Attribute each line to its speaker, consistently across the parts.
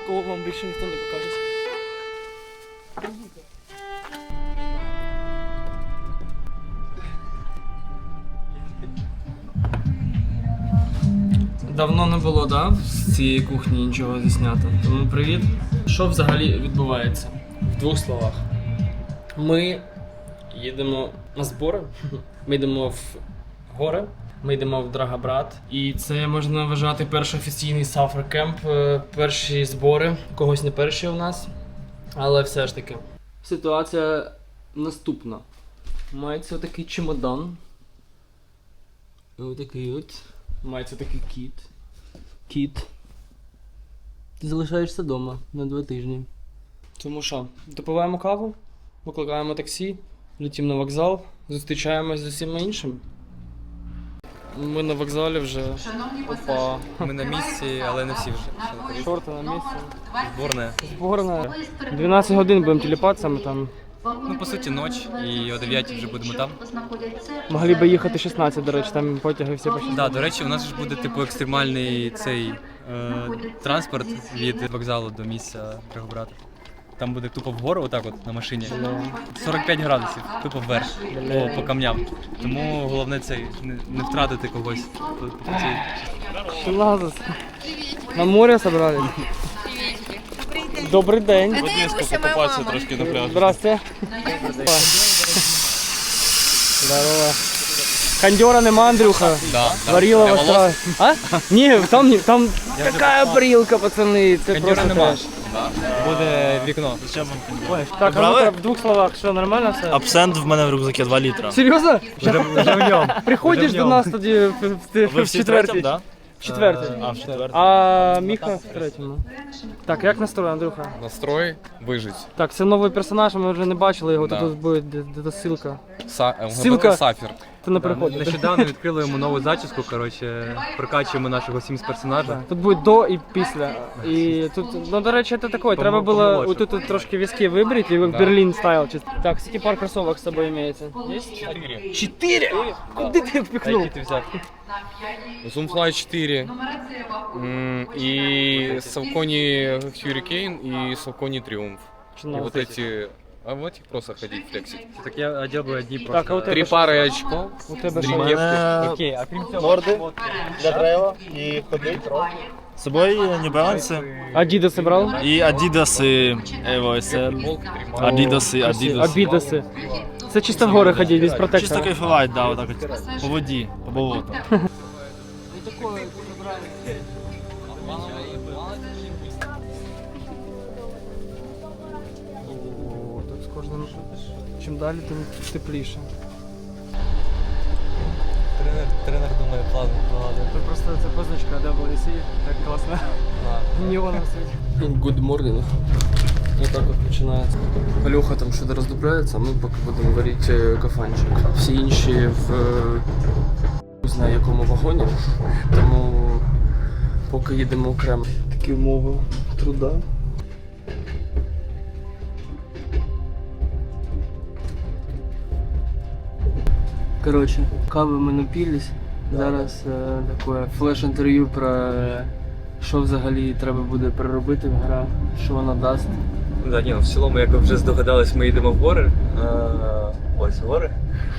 Speaker 1: такого вам більше ніхто не покаже. Давно не було, да, з цієї кухні нічого заснято. Тому привіт. Що взагалі відбувається? В двох словах. Ми їдемо на збори, ми йдемо в гори, ми йдемо в Драгобрат. І це можна вважати перший офіційний сафер-кемп, перші збори, когось не перші у нас. Але все ж таки. Ситуація наступна. Мається отакий чемодан. Отакий от. Мається такий кіт. Кіт. Ти залишаєшся вдома на 2 тижні. Тому що, допиваємо каву, викликаємо таксі, летимо на вокзал, зустрічаємось з усіма іншими. Ми на вокзалі вже. Опа.
Speaker 2: Ми на місці, але не всі вже.
Speaker 1: Шорти на місці.
Speaker 2: Зборна.
Speaker 1: Зборна. 12 годин будемо телепатися, ми там.
Speaker 2: Ну, по суті, ніч, і о 9 вже будемо там.
Speaker 1: Могли би їхати 16, до речі, там потяги всі по 16.
Speaker 2: Так, до речі, у нас ж буде типу екстремальний цей транспорт від вокзалу до місця Драгобрата. Там буде тупо вгору, отак от на машині. 45 градусів, тупо вверх, по камням. Тому головне це не втратити когось.
Speaker 1: Класс. На море собрались? Добрий день.
Speaker 3: Покупатися трошки на пляжі.
Speaker 1: Здрасте. Здорово. Кондера нема, Андрюха?
Speaker 2: Да.
Speaker 1: Варила вас сразу. А? Ні, там така парилка, пацани, це
Speaker 2: Кондера
Speaker 1: просто
Speaker 2: нема.
Speaker 1: треш.
Speaker 2: Буде вікно.
Speaker 1: Так, а ну в 2 словах, що нормально все?
Speaker 3: Абсент в мене в рюкзакі 2 літра.
Speaker 1: Серйозно?
Speaker 2: Вже в ньому.
Speaker 1: Приходиш до нас тоді
Speaker 3: Ви
Speaker 1: в
Speaker 3: всі третім,
Speaker 1: четвертій?
Speaker 3: так?
Speaker 1: В четвертій.
Speaker 3: А, в четвертій.
Speaker 1: А Міха в третьому. Так, як настрой, Андрюха?
Speaker 4: Настрой вижить.
Speaker 1: Так, це новий персонаж, ми вже не бачили його,
Speaker 4: Да.
Speaker 1: тут буде де ссылка.
Speaker 4: Ссылка. Сафір.
Speaker 1: Ти не переходиш.
Speaker 2: Нещодавно відкрили йому нову зачіску, коротше, прокачуємо нашого Sims-персонажа.
Speaker 1: Тут буде до і після. І тут, ну до речі, це таке, треба було
Speaker 2: помолодше.
Speaker 1: отут трошки візки вибрати, і в Берлін стайл. Так, скільки пар кросовок з собою імеється? Є? 4? Куди ти їх впихнув?
Speaker 2: Які ти взяв?
Speaker 4: Zoomfly 4. И Saucony Hurricane и Saucony Triumph. И вот эти... А в этих просто ходить, флексить.
Speaker 2: Так я одел би одні просто.
Speaker 1: Так, а у тебе
Speaker 4: 3
Speaker 1: що?
Speaker 4: пары очков.
Speaker 1: У тебе
Speaker 4: Три
Speaker 1: що?
Speaker 4: кепки.
Speaker 2: Окей, а крім цього...
Speaker 5: Морди для трейлу і ходить.
Speaker 3: З собою New Balance
Speaker 1: Адідаси брав?
Speaker 3: і Adidas Evo SL. Adidas.
Speaker 1: Абідаси. Це чисто в гори ходіть, без
Speaker 3: Чисто
Speaker 1: протектора.
Speaker 3: кайфувати, да, отак от. По воді, по болоту.
Speaker 1: О, тут з кожним, чим далі, тим тепліше.
Speaker 2: Тренер думає, план вкладає.
Speaker 1: Це просто це позначка WC, так класно. Неоном світить. Good morning. Отак от починається. Алюха там щось роздупляється, а ми поки будемо варити кафанчик. Всі інші в не знаю якому вагоні, тому поки їдемо окремо. Такі умови труда. Короче, кави ми напились. Зараз таке флеш-інтерв'ю про що взагалі треба буде переробити в грах, що вона дасть.
Speaker 2: Да, ні, в цілому, як ви вже здогадались, ми їдемо в гори. Ось гори.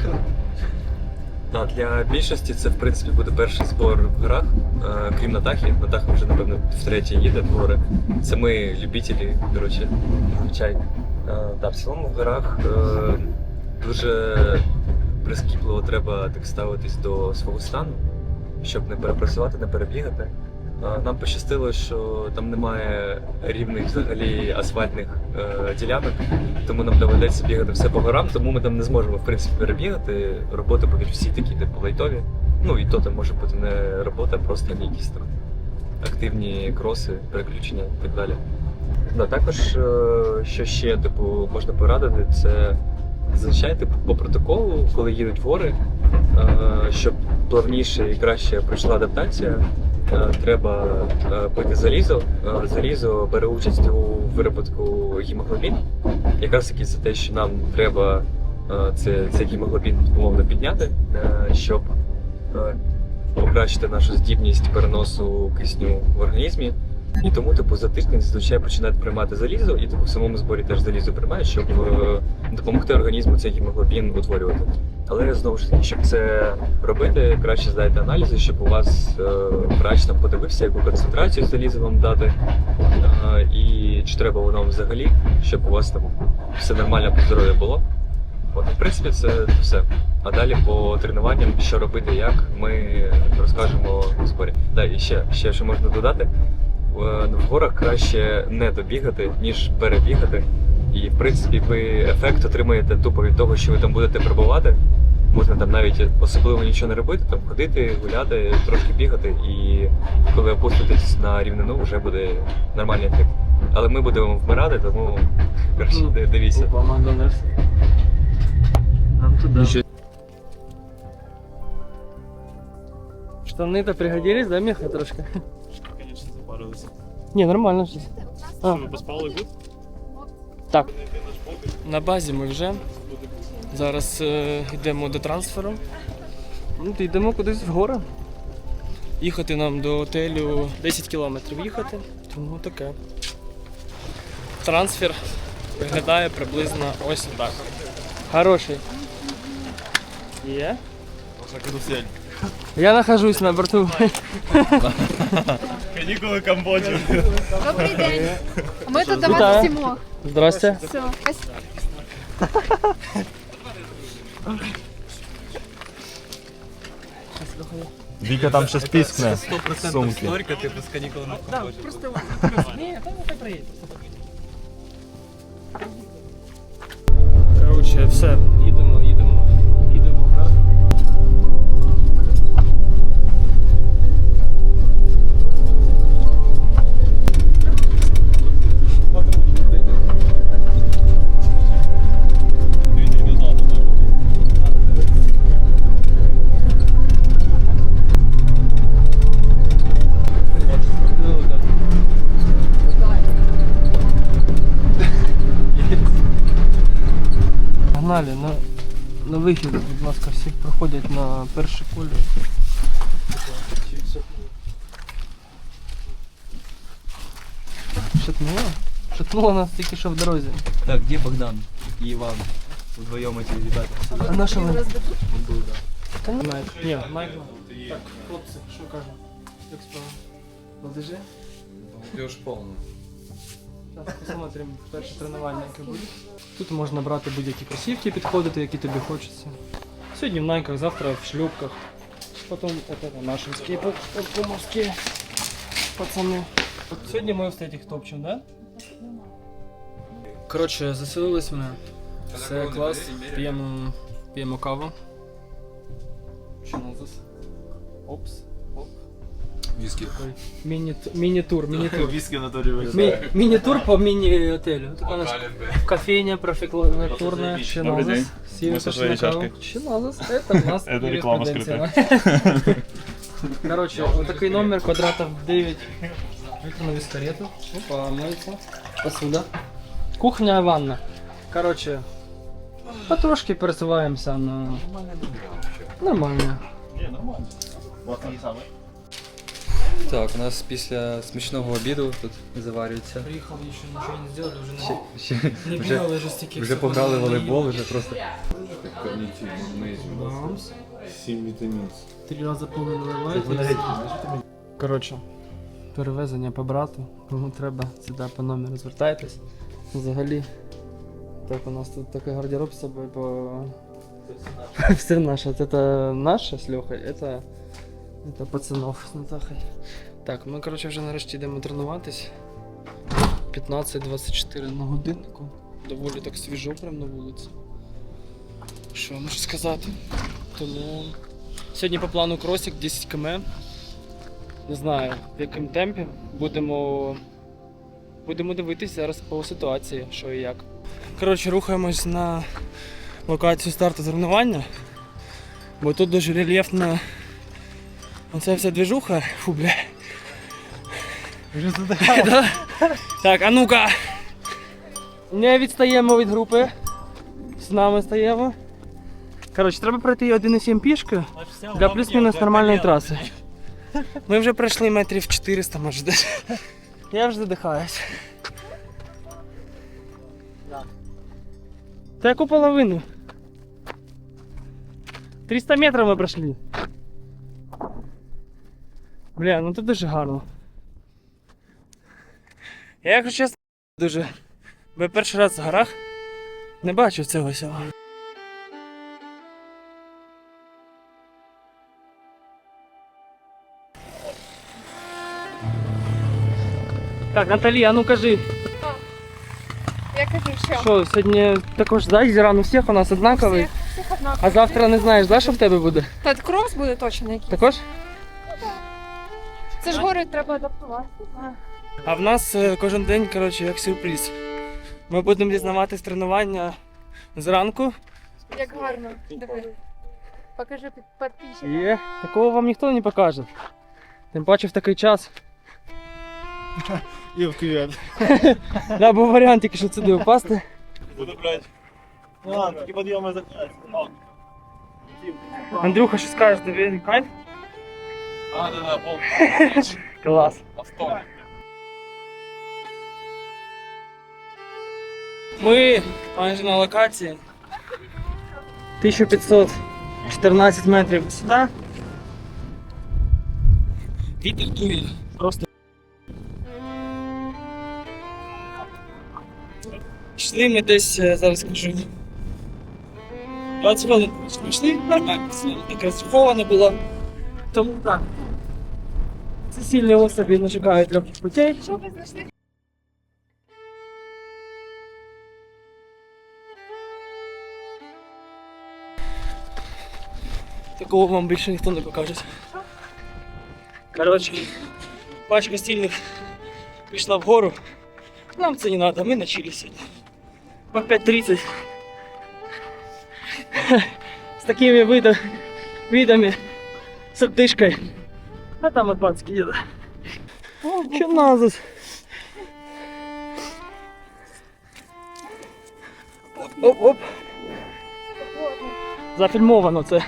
Speaker 2: Да, для більшості це в принципі буде перший збор в горах, крім Натахи. Натаха вже, напевно, втретє їде в гори. Це ми любителі, коротше, звичайно. Да, в цілому в горах дуже прискіпливо треба так ставитись до свого стану, щоб не перепрацювати, не перебігати. Нам пощастило, що там немає рівних взагалі асфальтних ділянок, тому нам доведеться бігати все по горам, тому ми там не зможемо в принципі перебігати. Роботи будуть всі такі типу лайтові. Ну і то там може бути не робота, а просто якісь там активні кроси, переключення і так далі. Да, також, що ще типу, можна порадити, це зазвичай типу, по протоколу, коли їдуть в гори, щоб плавніше і краще пройшла адаптація, треба пити залізо. Залізо бере участь у виробітку гемоглобіну. Якраз таки це те, що нам треба цей гемоглобін умовно підняти, щоб покращити нашу здібність переносу кисню в організмі І тому, типу, за тиждень зазвичай починають приймати залізо, і типу, в самому зборі теж залізо приймають, щоб допомогти організму цей гемоглобін утворювати. Але знову ж таки, щоб це робити, краще здайте аналізи, щоб у вас врач там подивився, яку концентрацію заліза вам дати, і чи треба воно взагалі, щоб у вас там все нормально по здоров'ю було. От, в принципі, це все. А далі по тренуванням, що робити, як, ми розкажемо в зборі. Да, і ще що можна додати, в горах краще не добігати, ніж перебігати. І, в принципі, ви ефект отримаєте тупо від того, що ви там будете перебувати. Можна там навіть особливо нічого не робити, там ходити, гуляти, трошки бігати, і коли опуститесь на рівнину, вже буде нормальний ефект. Але ми будемо вмирати, тому краще дивіться.
Speaker 1: Опа, Макдональдс. Нам туди. Штаны-то пригодились, да, Миха, трошки?
Speaker 3: Конечно, запарилися.
Speaker 1: Не, нормально щось. А,
Speaker 3: Ми поспали тут?
Speaker 1: так. На базі ми вже. Зараз йдемо до трансферу. Ну, то йдемо кудись в гори. Їхати нам до готелю 10 кілометрів їхати, тому таке. Трансфер виглядає приблизно ось так. Хороший. Є?
Speaker 3: Карусель.
Speaker 1: Я нахожусь на борту.
Speaker 3: Канікули Камбоджі.
Speaker 6: Добрий день. Ми тут до
Speaker 1: Вітаю.
Speaker 6: вас всімо.
Speaker 1: Здрасте.
Speaker 6: Все, спасибо.
Speaker 3: Віка там щось піскне.
Speaker 2: 100%
Speaker 3: Сумки.
Speaker 2: історика, типу, з канікул на
Speaker 1: Просто ні, там не приїде. Коротше, все, їдемо вверх. Погнали, на вихід, будь ласка, всі проходять на перший колір. Шатнуло? Шатнуло нас тільки що в дорозі.
Speaker 2: Так, де Богдан і Іван? Вдвоєм ці ребята.
Speaker 1: А на що ви?
Speaker 2: Он був, да.
Speaker 1: Та ні, Майк. Ні, Майк. Так, хлопці, що кажемо? Як справа? Молодежі?
Speaker 4: Молодежь полная.
Speaker 1: Зараз посмотримо перше тренування, яке буде. Тут можна брати будь-які кросівки, підходити, які тобі хочеться. Сьогодні в найках, завтра в шлюпках. Потім это нашинські, пумовські пацани. От сьогодні ми в статіх топчемо, да? Коротше, заселились ми. Все клас, п'ємо каву. Що у нас? Опс. Оп.
Speaker 4: Виски.
Speaker 1: Міні-тур.
Speaker 3: Віскі в натурі
Speaker 1: Міні-тур по міні-отелю. Тут у нас кофейня профілактурна, Чиназис.
Speaker 3: Мы со своей чашкой.
Speaker 1: Чиназис, это у нас
Speaker 3: Это реклама
Speaker 1: юриспруденция. Короче, вот такой номер, квадратов 9. Выкину вискарету. Опа, моется. Посуда. Кухня, ванна. Короче, потрошки пересуваємося на... Нормально.
Speaker 7: Так, у нас після смачного обіду тут заварюється.
Speaker 1: Приїхав, ще нічого не зробили, вже не
Speaker 7: Вже,
Speaker 1: бігали, вже стільки.
Speaker 7: вже
Speaker 1: всього
Speaker 7: пограли в
Speaker 1: наїли.
Speaker 7: волейбол, вже просто.
Speaker 1: Бамс.
Speaker 5: 7 вітамін.
Speaker 1: 3 рази повинен наливати. Коротше, перевезення по брату, кому треба, сюди по номеру звертайтесь. Взагалі, так у нас тут такий гардероб з собою, бо все наше. Це наше з Льохою, це пацанов з Натахою. Так, ми коротше вже нарешті йдемо тренуватись. 15-24 на годиннику. Доволі так свіжо прямо на вулиці. Що можу сказати? Тому сьогодні по плану кросик 10 км. Не знаю в якому темпі. Будемо дивитися зараз по ситуації, що і як. Коротше, рухаємось на локацію старту тренування. Бо тут дуже рельєфна оця вся движуха. Фу, бля. Вже задихав. Так, а ну-ка! Не відстаємо від групи. З нами стаємо. Коротше, треба пройти 1,7 пішки для плюс-мінус нормальної траси. Ми вже пройшли метрів 400, може десь. Я вже задихаюсь. Та яку половину? 300 метрів ми пройшли. Бля, ну тут дуже гарно. Я, якщо чесно, дуже. Бо я перший раз в горах не бачив цього всього. Так, Наталі, а ну кажи,
Speaker 6: Я кажу, що?
Speaker 1: що сьогодні також да, зіран у всіх у нас однаковий,
Speaker 6: Всіх однаково.
Speaker 1: а завтра не знаєш, да, що в тебе буде?
Speaker 6: Та крос буде точно якийсь.
Speaker 1: Також?
Speaker 6: Це ж гори треба адаптуватися.
Speaker 1: А в нас кожен день, коротше, як сюрприз. Ми будемо дізнаватись тренування зранку.
Speaker 6: Як гарно. Диви. Покажи підписчикам.
Speaker 1: Є. Такого вам ніхто не покаже. Тим паче в такий час.
Speaker 5: І в кювет.
Speaker 1: Да, був варіант тільки що сюди впасти.
Speaker 3: Буду брати.
Speaker 5: Ну ладно, такі підйоми закінчаться.
Speaker 1: Андрюха, що скажеш, тобі кайф?
Speaker 4: Да, пол.
Speaker 1: Клас.
Speaker 4: Авто.
Speaker 1: Ми майже на локації. 1514 метрів висота. Вітер дує. Просто. Йшли ми десь, зараз скажу. 20 хвилин йшли, нормально, все, така схована була. Тому так. Це сильні особи не чекають легких путей.
Speaker 6: Що ви знайшли?
Speaker 1: Такого вам більше ніхто не покаже. Коротше, пачка стільних пішла вгору. Нам це не треба, ми на чилі сьогодні. По 5:30. З такими видами, з отдишкою. А там от пацки їде. Що назад? Оп-оп. Зафільмовано це.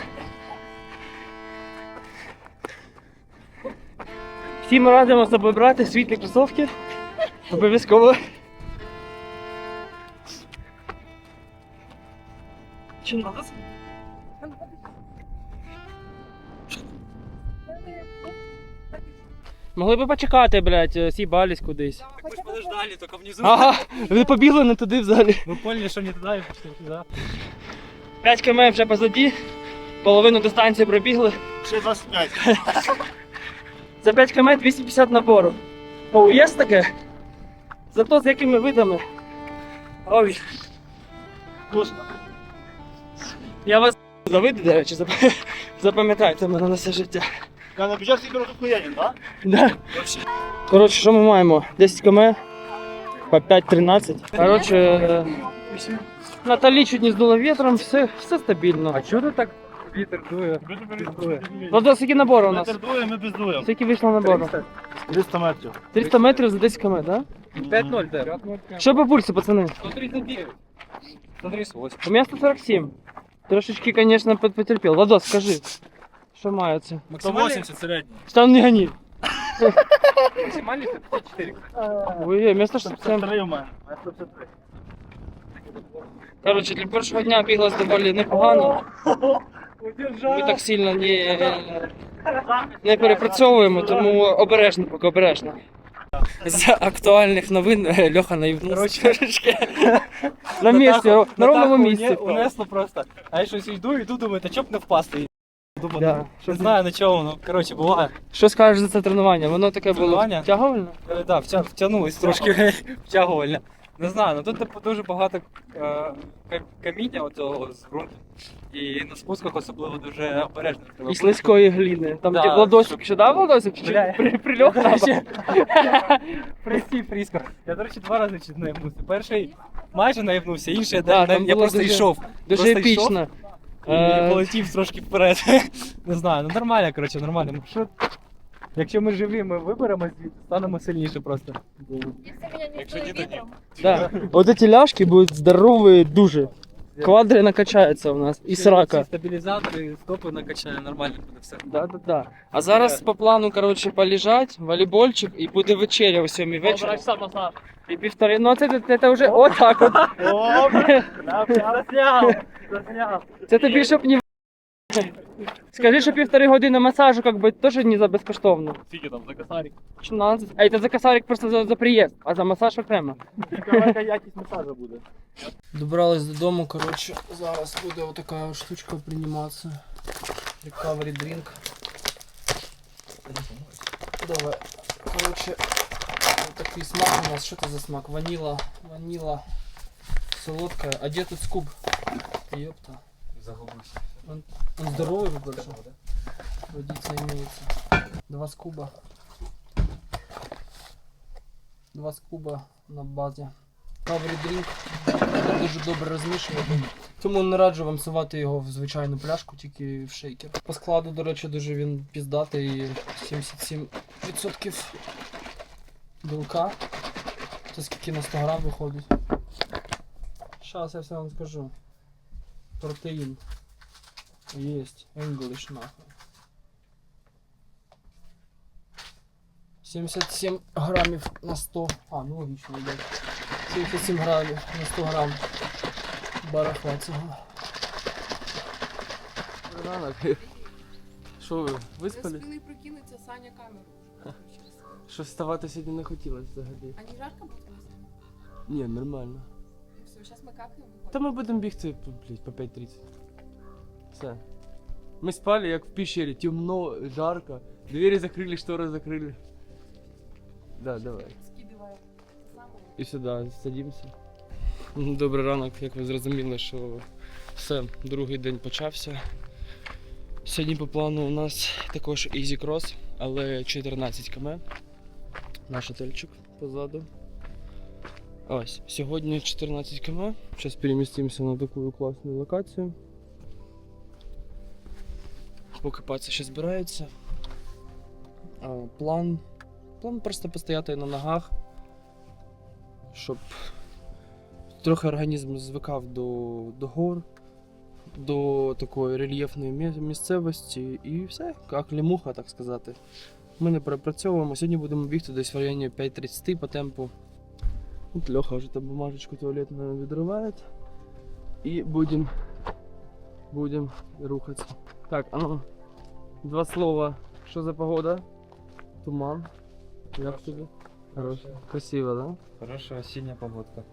Speaker 1: Всім радимо з собою брати світлі кросовки. Обов'язково. Чи нас? Могли би почекати, блядь, сібались кудись.
Speaker 5: Подождали, тільки внизу.
Speaker 1: Ага, ви побігли не туди взагалі.
Speaker 5: Ви поняли, що не туди і пішли туди.
Speaker 1: 5 км вже позаді, половину дистанції пробігли.
Speaker 5: Ще 25.
Speaker 1: За 5 км 250 набору. О, є таке? Зато з якими видами. Ой. Вкусно. Я вас за види, до речі, запам'ятайте мене на все життя.
Speaker 5: Я на бюджет собі охуєнен, так?
Speaker 1: Да. Коротше, що ми маємо? 10 км по 5:13. Коротше, Наталі чуть не здуло вітром, все стабільно. А чого ти так вітер дує? Ну, скільки набору у нас?
Speaker 5: Вітер дує, ми бездуємо.
Speaker 1: Скільки вийшло набору?
Speaker 5: 300 метрів.
Speaker 1: 300 метрів за 10 км, так?
Speaker 7: 5-0, да.
Speaker 1: Що по пульсу, пацани?
Speaker 7: 139. 138.
Speaker 1: У меня 147. Трошечки, конечно, потерпел. Владос, скажи, що має це?
Speaker 5: 180 середній.
Speaker 1: Там не гони.
Speaker 7: Максимальный 154.
Speaker 1: Ой, вместо 167.
Speaker 5: 153 у мене. 153.
Speaker 1: Коротше, для першого дня біглось доволі непогано. Ми так сильно не перепрацьовуємо, тому обережно, поки обережно. З актуальних новин Льоха наївнувся трошечки. На місці, на ровному місці.
Speaker 8: Унесло просто. А я щось йду, думаю, та чоб не впасти. Думаю,
Speaker 1: Да.
Speaker 8: не знаю на чому, ну коротше, буває.
Speaker 1: Що скажеш за це тренування? Воно таке було
Speaker 8: Тренування?
Speaker 1: втягувальне?
Speaker 8: Так, втягнулись трошки втягувально. Не знаю, ну тут дуже багато каміння оцього з ґрунту. І на спусках особливо дуже обережно. треба
Speaker 1: І слизької гліни. Там
Speaker 8: Да,
Speaker 1: де Владосик ще дав Владосик? Чи
Speaker 8: Бля.
Speaker 1: прильох
Speaker 8: До
Speaker 1: там?
Speaker 8: речі, Прості, Фріско. Я, до речі, 2 рази чуть наїбнувся. Перший майже наїбнувся, інший
Speaker 1: Да, там
Speaker 8: я
Speaker 1: було
Speaker 8: просто
Speaker 1: дуже-
Speaker 8: йшов.
Speaker 1: Дуже
Speaker 8: Просто йшов
Speaker 1: епічно.
Speaker 8: І полетів трошки вперед. Не знаю, ну нормально, коротше, нормально. Маршрут. Якщо ми живі, ми виберемо звідси, станемо сильніше просто.
Speaker 6: Якщо мене не
Speaker 8: Якщо
Speaker 6: вбили
Speaker 8: ні, то ні.
Speaker 6: вітром.
Speaker 1: Да. Вот эти ляжки будут здоровые дуже. Квадри накачаються у нас. І срака.
Speaker 8: Стабілізатори, стопи накачає, нормально буде все.
Speaker 1: Да. А зараз по плану, коротше, полежать, волейбольчик і буде вечеря о 7 вечора. І півтори, ну це вже отак от. Це тобі, щоб не... Скажи, що півтори години масажу, как бы, теж не за безкоштовно.
Speaker 3: Скільки там за косарик?
Speaker 1: 16. А це за косарик просто за приїзд, а за масаж окремо.
Speaker 5: Яка якість масажу буде?
Speaker 1: Добрались додому, коротше, зараз буде отака штучка прийматися. Recovery drink. Давай. Коротше, такий смак у нас. Що це за смак? Ваніла. Солодкая. А де тут скуб? Ёпта.
Speaker 2: Загубився.
Speaker 1: Он здоровый больше. Водица имеется. 2 скуба. 2 скуба на базі. Recovery drink. Дуже добре розмішувати. Тому не раджу вам сувати його в звичайну пляшку, тільки в шейкер. По складу, до речі, дуже він піздатий. 77% білка. Це скільки на 100 грам виходить. Зараз я все вам скажу. Протеїн. Есть. English нахуй. 77 грамів на 100. А, ну логічно, йде. 77 грамів на 100 грам барахла цього. Ранок. Що ви, виспались?
Speaker 6: Спили прокинуться, Саня камеру включив.
Speaker 1: Що вставати сьогодні не хотілося взагалі.
Speaker 6: А не жарко буде?
Speaker 1: Ні, нормально.
Speaker 6: Все, зараз ми какаємо.
Speaker 1: Та ми будемо бігти, блядь, по 5:30. Все. Мы спали, как в пещере, темно, жарко. Двери закрыли, шторы закрыли. Да, давай.
Speaker 6: Скидываю.
Speaker 1: І сюди садимося. Добрий ранок, як ви зрозуміли, що все, другий день почався. Сьогодні по плану у нас також Easy Cross, але 14 км. Наш отельчик позаду. Ось, сьогодні 14 км. Зараз перемістимося на таку класну локацію. Поки паці ще збираються. План просто постояти на ногах, щоб трохи організм звикав до гор, до такої рельєфної місцевості і все, як лімуха, так сказати. Ми не перепрацьовуємо. Сьогодні будемо бігти десь в районі 5:30 по темпу. От Льоха вже там бумажечку туалетну відриває. І будемо рухатися. Так, а ну, 2 слова. Що за погода? Туман. Як тобі? Хорошо. Красиво, да?
Speaker 7: Хорошая осіння погодка.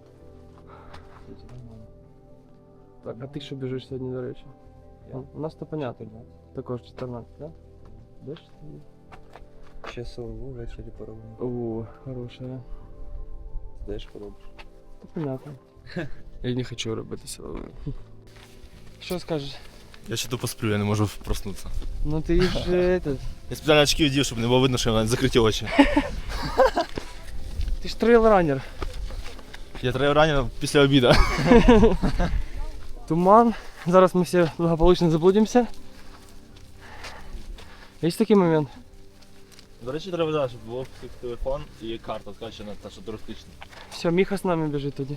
Speaker 1: Так, а ти що біжиш сьогодні, до речі?
Speaker 7: Я?
Speaker 1: У нас то понятно. Також 14, да? Де ж ти?
Speaker 7: Ще силову ввечері пороблю.
Speaker 1: О, хорошая.
Speaker 7: Де ж поробиш?
Speaker 1: Та понятно. Я не хочу робити силову. Що скажеш?
Speaker 3: Я ще то посплю, я не можу проснутися.
Speaker 1: Ну ти ж этот...
Speaker 3: Я спеціально очки вдів, щоб не було видно, що я маю закриті очі.
Speaker 1: Ти ж трейл-ранер.
Speaker 3: Я треба ранено після обіду.
Speaker 1: Туман. Зараз ми всі благополучно заблудимося. Є такий момент.
Speaker 3: До речі, треба дати, щоб був телефон і карта скачана, та що туристична.
Speaker 1: Все, Міха з нами біжить тоді.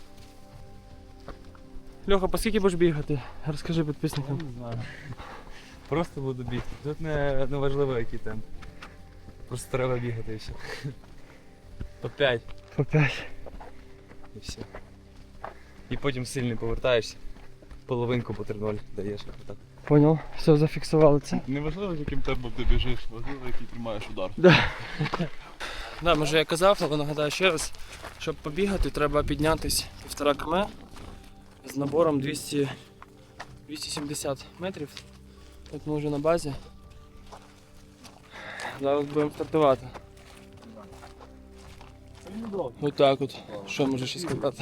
Speaker 1: Льоха, по скільки будеш бігати? Розкажи підписникам.
Speaker 7: Не знаю. Просто буду бігти. Тут не важливо який темп. Просто треба бігати і все. По 5
Speaker 1: По 5.
Speaker 7: і все. І потім сильний повертаєшся. Половинку по 3:0 даєш. Отак.
Speaker 1: Понял. Все, зафіксували це.
Speaker 3: Не важливо, яким темпом ти біжиш, важливо, який тримаєш удар.
Speaker 1: Да, може я казав, але нагадаю ще раз, щоб побігати, треба піднятись 1,5 км з набором 270 метрів. От ми вже на базі. Зараз будемо стартувати. Ось так от. Що може ще сказати?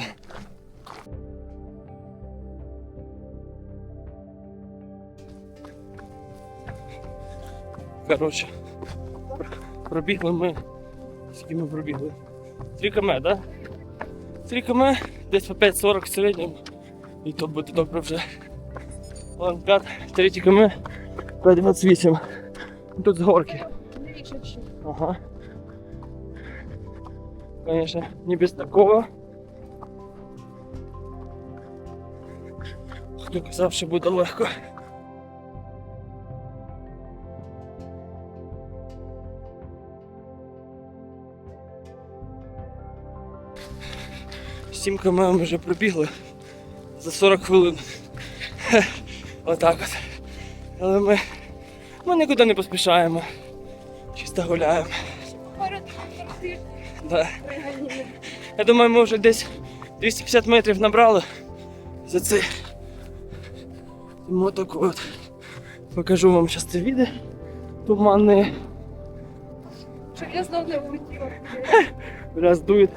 Speaker 1: Коротше, пробігли ми. Скільки ми пробігли? 3 км, так? Да? 3 км, десь по 5:40 в середньому. І то буде добре вже. Ладно, 3 км, 5:28. Тут з горки. Ага. Конечно, не без такого. Хто казав, що буде легко. Сім км ми вже пробігли за 40 хвилин. Отак от. Але ми нікуди не поспішаємо. Чисто гуляємо. Да. Я думаю, ми вже десь 250 метрів набрали за це. Тому так от. Покажу вам зараз це відео. Туманне.
Speaker 6: Щоб я знов не влетіла.
Speaker 1: Раз дует.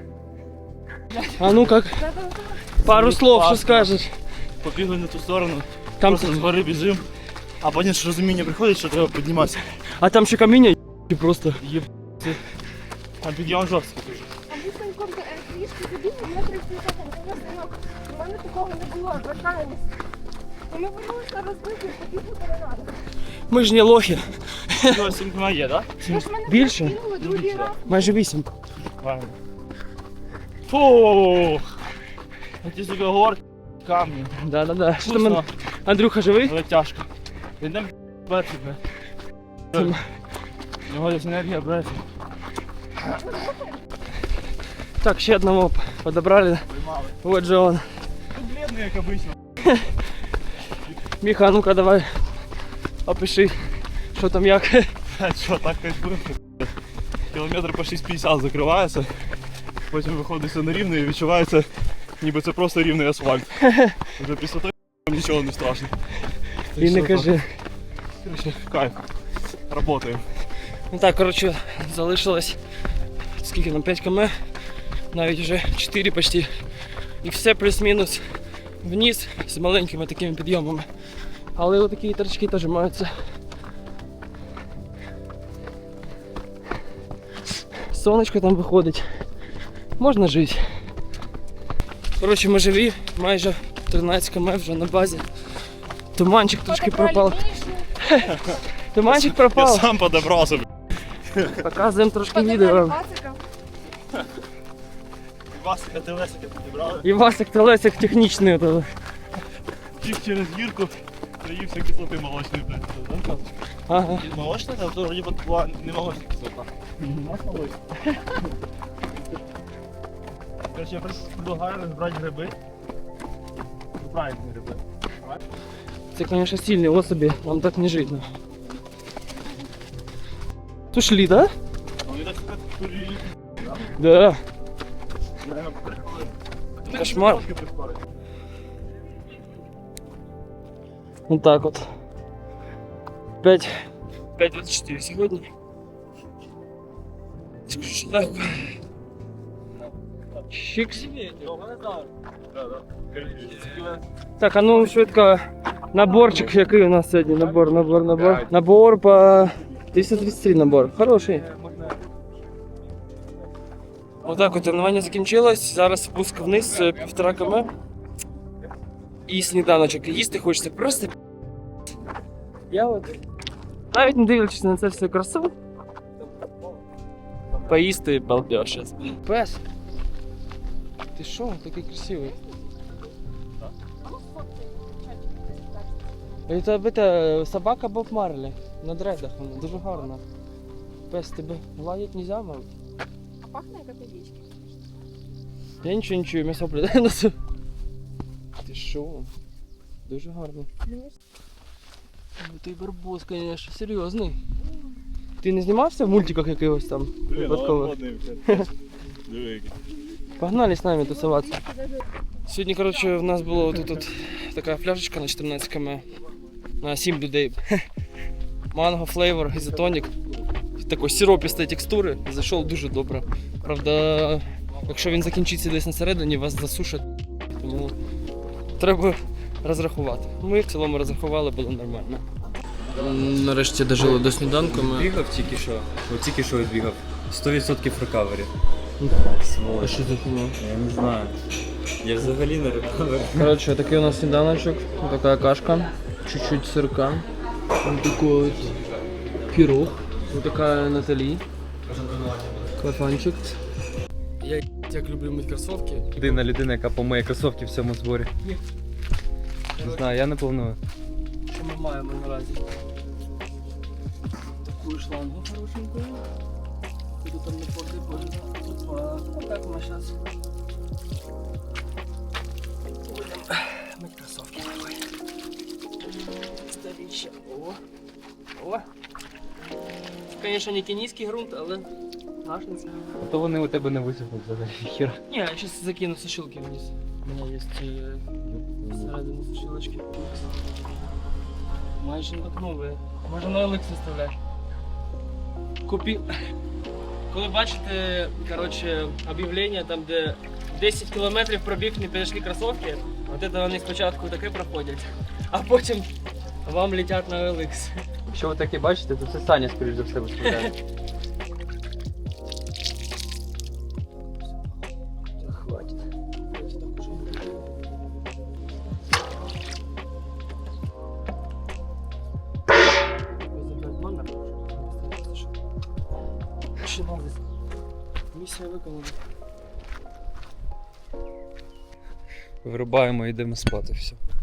Speaker 1: А ну как? Пару слов, що скажеш?
Speaker 5: Побігли на ту сторону,
Speaker 1: Там,
Speaker 5: просто з гори біжимо, а потім ж розуміння приходить, що треба підніматися.
Speaker 1: а там ще каміння і просто.
Speaker 5: Там підйом жорсткий дуже.
Speaker 6: А ми з Саньком трішки забігли, я 30 минут. У мене такого не було, вертаємось. І ми вернулися розбиті, побігли переради.
Speaker 1: Ми ж не лохи.
Speaker 5: Ну, 7 км є, так?
Speaker 6: Ви ж мене
Speaker 1: Більше?
Speaker 6: кинули другий раз.
Speaker 1: Майже 8.
Speaker 5: Правильно. Фух! Ті сука горки, камні.
Speaker 1: Да. Що там,
Speaker 5: Вкусно,
Speaker 1: Андрюха живий?
Speaker 5: але тяжко. Йдемо перший, бля. У нього десь енергія береться.
Speaker 1: Так, ще одного подобрали. Вот же он.
Speaker 5: Бледний, як обично.
Speaker 1: Міха, а ну-ка давай. Опиши, що там як.
Speaker 5: Що, так кайфуємо? Кілометр по 6,50 закривається, потім виходиться на рівне і відчувається, ніби це просто рівний асфальт. Вже після того нічого не страшно. Так
Speaker 1: І не
Speaker 5: що
Speaker 1: кажи.
Speaker 5: так. Короче, кайф. Работаємо.
Speaker 1: Ну так, коротше, залишилось скільки нам 5 км, навіть вже 4 почти. І все плюс-мінус вниз з маленькими такими підйомами. Але отакі торчки теж маються. Сонечко там виходить. Можна жити. Коротше, ми живі, майже 13 км вже на базі. Туманчик трошки пропав. Туманчик
Speaker 5: Я
Speaker 1: пропав.
Speaker 5: сам подобрався.
Speaker 1: Показуємо трошки відео.
Speaker 5: Васика, ти Лесика підібрали.
Speaker 1: І Васик та Лесик технічний. ото.
Speaker 5: Тік через гірку, наївся кислоти молочної, блядь.
Speaker 1: Ага.
Speaker 5: Молочна, там то вроді була не молочна кислота. Молочна. Короче, я предлагаю розбрати гриби. Правильні гриби.
Speaker 1: Це, звісно, сильні особи, вам так не жити. Ушли, да?
Speaker 5: Вони так курили.
Speaker 1: Да.
Speaker 5: Реально,
Speaker 1: Кошмар. Вот так вот. 5:24 сьогодні. Так. Чикс. Так, а ну швидко. Наборчик, який у нас сьогодні? Набор. Набор по 333 набор. Хороший. Отак от тренування закінчилось. Зараз спуск вниз 1,5 км. І сніданочок. Їсти хочеться просто. Я от навіть не дивлячись на це все красу. Поїсти балдеж зараз. Пес. Ти що? Такий красивий. Це собака Боб Марлі. На дредах вона. Дуже гарна. Пес, тебе гладить нельзя, мабуть?
Speaker 6: А пахне як овечки.
Speaker 1: Я нічого не чую, м'ясо придає носу. Ти що? Дуже гарно. Ти барбос, звісно, серйозний. Ти не знімався в мультиках якихось там? Випадково?
Speaker 5: Диви,
Speaker 1: Погнали з нами тусуватися. Сьогодні, коротше, в нас була тут така пляшечка на 14 км. На 7 людей. Манго, флейвор, ізотонік. Такої сиропістої текстури. Зайшов дуже добре. Правда, якщо він закінчиться десь на середині, вас засушать. Тому треба розрахувати. Ми в цілому розрахували, було нормально. Нарешті дожили до сніданку.
Speaker 2: Бігав тільки що. От тільки що відбігав. 100% рекавері.
Speaker 1: А що за хуйня?
Speaker 2: Я не знаю. Я взагалі не рекавері.
Speaker 1: Короче, такий у нас сніданочок, така кашка, чуть-чуть сырка, вот такой вот пирог, вот такая Натали, кафанчик. Я як люблю мыть кроссовки.
Speaker 7: Єдина людина, яка помиє кросовки в цьому зборі.
Speaker 8: Не знаю, я не планую.
Speaker 1: Що ми маємо наразі? Таку шлангу хорошенькую. Куди там не поки боже. Опа, отак ми зараз будемо мити кросовки такої. Старіше. О. О. Звісно, не кенійський ґрунт, але наш не це.
Speaker 8: А то вони у тебе не висохнуть взагалі. Хіра.
Speaker 1: Ні, я зараз закину сушилки вниз. У мене є всередині сушилочки. Майже як нові. Може на OLX виставляєш. Купи. Коли бачите, коротше, об'явлення там, де 10 кілометрів пробіг, не підійшли кросовки, от це вони спочатку таке проходять, а потім вам летять на OLX.
Speaker 8: Якщо ви таке бачите, то це Саня, скоріш за все, виставляє.
Speaker 1: Хватит. Місія виконана.
Speaker 8: Вирубаємо і йдемо спати, все.